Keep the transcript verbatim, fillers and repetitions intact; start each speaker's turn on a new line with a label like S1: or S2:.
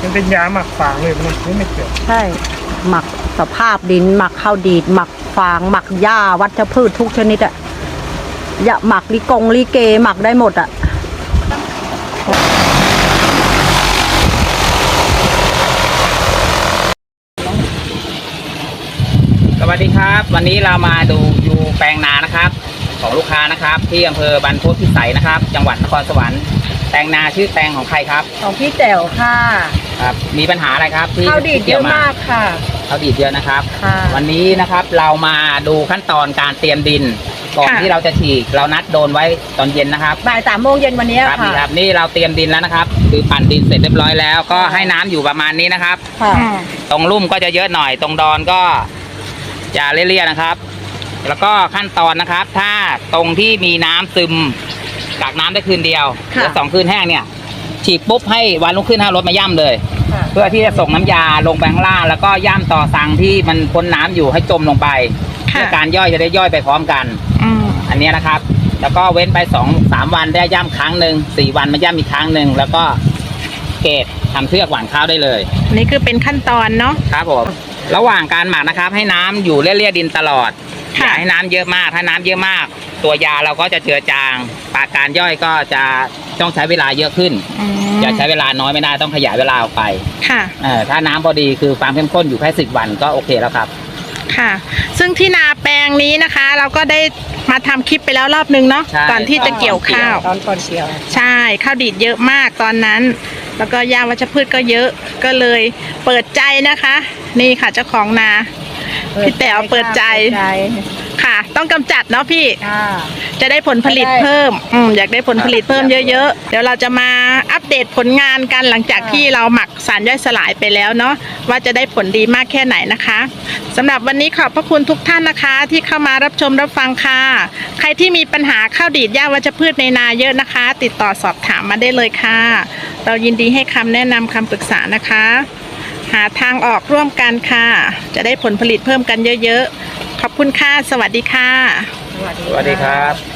S1: มันเป็นยาหมักฟางเลยมันไม่เกี่ยว
S2: ใช่หมักสภาพดินหมักข้าวดีดหมักฟางหมักหญ้าวัชพืชทุกชนิดอะอย่าหมักลิกงลิเกหมักได้หมดอะ
S3: สวัสดีครับวันนี้เรามาดูอยู่แปลงนานะครับของลูกค้านะครับที่อำเภอบรรพตพิสัยนะครับจังหวัดนครสวรรค์แปลงนาชื่อแปลงของใครครับ
S2: ของพี่แจ๋วค่ะ
S3: ครับมีปัญหาอะไรครับที่
S2: ข้าวดีดเยอะมากค่ะ
S3: ข้าวดีดเยอะนะครับ
S2: ค่ะ
S3: วันนี้นะครับเรามาดูขั้นตอนการเตรียมดินก่อนที่เราจะฉีกเรานัดโดนไว้ตอนเย็นนะครับ
S2: บ่ายสามโมงเย็นวันนี้
S3: ค่ะ
S2: ครับ
S3: นี่เราเตรียมดินแล้วนะครับคือปั่นดินเสร็จเรียบร้อยแล้วก็ให้น้ำอยู่ประมาณนี้นะครับตรงลุ่มก็จะเยอะหน่อยตรงดอนก็จะเลี่ยๆนะครับแล้วก็ขั้นตอนนะครับถ้าตรงที่มีน้ำซึมกักน้ำได้คืนเดียวหรือสองคืนแห้งเนี่ยฉีกปุ๊บให้วันรุ่งขึ้นให้รถมาย่ำเลยเพื่อที่จะส่งน้ำยาลงไปข้างล่างแล้วก็ย่ำต่อสังที่มันพ้นน้ำอยู่ให้จมลงไปเพื่อการย่อยจะได้ย่อยไปพร้อมกันอันนี้นะครับแล้วก็เว้นไปสองสามวันได้ย่ำครั้งหนึ่งสี่วันมาย่ำอีกครั้งหนึ่งแล้วก็เกตทำเชือกหว่านข้าวได้เลย
S4: นี่คือเป็นขั้นตอนเนาะ
S3: ครับผมระหว่างการหมักนะครับให้น้ำอยู่เลี่ยๆดินตลอดอย่าให้น้ำเยอะมากถ้าน้ำเยอะมากตัวยาเราก็จะเจือจางปากการย่อยก็จะต้องใช้เวลาเยอะขึ้นอย่าใช้เวลาน้อยไม่ได้ต้องขยายเวลาออกไป
S4: ค่ะ
S3: เออถ้าน้ำพอดีคือความเข้มข้นอยู่แค่สิบวันก็โอเคแล้วครับ
S4: ค่ะซึ่งที่นาแปลงนี้นะคะ เราก็ได้มาทำคลิปไปแล้วรอบนึงเนาะก่อนที่จะเกี่ยวข้าว
S2: ตอนก่อนเกี่ยว
S4: ใช่ข้าวดีดเยอะมากตอนนั้นแล้วก็ยาวัชพืชก็เยอะก็เลยเปิดใจนะคะ นี่ค่ะเจ้าของนาพี่แต๋วเปิดใจค่ะต้องกำจัดเนาะพี่จะได้ผลผลิตเพิ่มอืมอยากได้ผลผลิตเพิ่มเยอะๆเดี๋ยวเราจะมาอัปเดตผลงานกันหลังจากที่เราหมักสารย่อยสลายไปแล้วเนาะว่าจะได้ผลดีมากแค่ไหนนะคะสำหรับวันนี้ขอบพระคุณทุกท่านนะคะที่เข้ามารับชมรับฟังค่ะใครที่มีปัญหาข้าวดีดหญ้าวัชพืชในนาเยอะนะคะ ติดต่อสอบถามมาได้เลยค่ะเรายินดีให้คำแนะนำคำปรึกษานะคะหาทางออกร่วมกันค่ะจะได้ผลผลิตเพิ่มกันเยอะๆขอบคุณค่ะสวัสดีค่ะ
S3: สวัสดีครับ